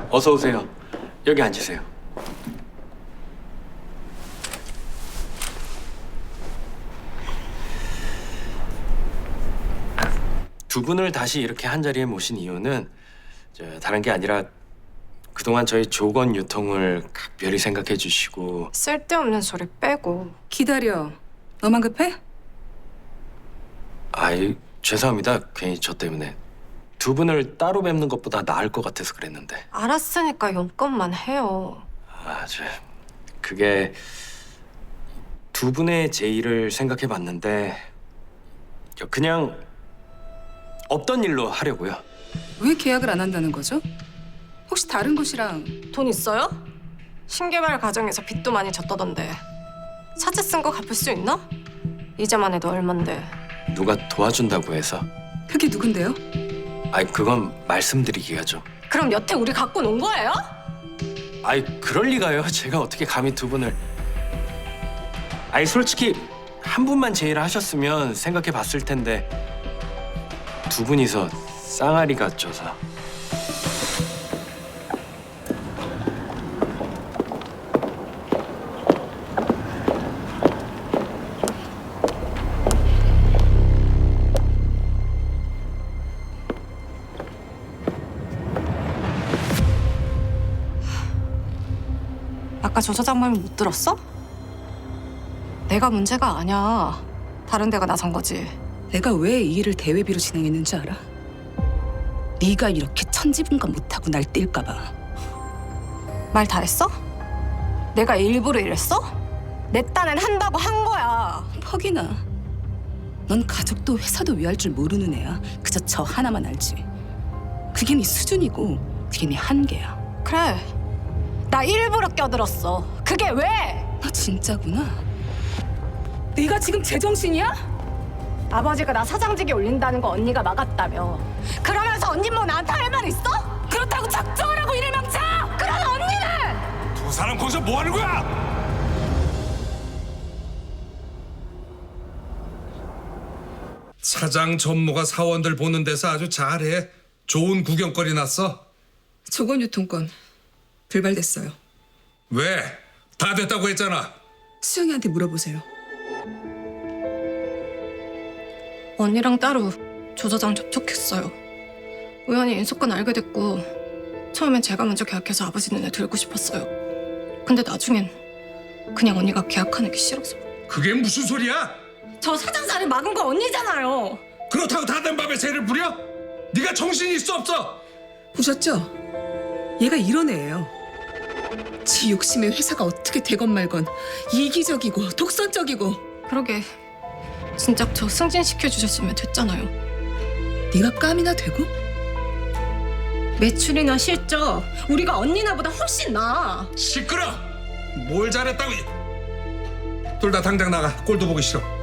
어서 오세요. 여기 앉으세요. 두 분을 다시 이렇게 한 자리에 모신 이유는 다른 게 아니라 그동안 저희 조건 유통을 각별히 생각해 주시고 쓸데없는 소리 빼고. 기다려. 너만 급해? 아이 죄송합니다. 괜히 저 때문에 두 분을 따로 뵙는 것보다 나을 것 같아서 그랬는데 알았으니까 용건만 해요. 그게 두 분의 제의를 생각해 봤는데 그냥 없던 일로 하려고요. 왜 계약을 안 한다는 거죠? 혹시 다른 곳이랑 돈 있어요? 신개발 과정에서 빚도 많이 졌다던데. 사채 쓴 거 갚을 수 있나? 이자만 해도 얼만데. 누가 도와준다고 해서 그게 누군데요? 아이 그건 말씀드리기가 좀 그럼 여태 우리 갖고 논 거예요? 아이 그럴 리가요. 제가 어떻게 감히 두 분을 아이 솔직히 한 분만 제의를 하셨으면 생각해 봤을 텐데 두 분이서 쌍아리가 쪄서 아까 조 사장 말 못 들었어? 내가 문제가 아니야. 다른 데가 나선 거지. 내가 왜 이 일을 대회비로 진행했는지 알아? 네가 이렇게 천지분간 못하고 날 뛸까 봐. 말 다 했어? 내가 일부러 이랬어? 내 딴엔 한다고 한 거야. 퍽이나. 넌 가족도 회사도 위할 줄 모르는 애야. 그저 저 하나만 알지. 그게 네 수준이고 그게 네 한계야. 그래. 나 일부러 껴들었어. 그게 왜? 너 진짜구나. 네가 지금 제정신이야? 아버지가 나 사장직에 올린다는 거 언니가 막았다며. 그러면서 언니 뭐 나한테 할 말 있어? 그렇다고 작정하라고 일을 망쳐! 그럼 언니는! 두 사람 거기서 뭐 하는 거야? 차장 전무가 사원들 보는 데서 아주 잘해. 좋은 구경거리 났어. 조건유통권 불발됐어요. 왜? 다 됐다고 했잖아. 수영이한테 물어보세요. 언니랑 따로 조사장 접촉했어요. 우연히 인수권 알게 됐고 처음엔 제가 먼저 계약해서 아버지 눈에 들고 싶었어요. 근데 나중엔 그냥 언니가 계약하는 게 싫어서. 그게 무슨 소리야? 저 사장 자리 막은 거 언니잖아요. 그렇다고 다 된 밥에 새를 부려? 네가 정신이 있어 없어? 보셨죠? 얘가 이런 애예요. 지 욕심에 회사가 어떻게 되건 말건 이기적이고 독선적이고. 그러게 진작 저 승진시켜주셨으면 됐잖아요. 네가 깜이나 되고? 매출이나 실적 우리가 언니나보다 훨씬 나아. 시끄러! 뭘 잘했다고? 둘 다 당장 나가. 꼴도 보기 싫어.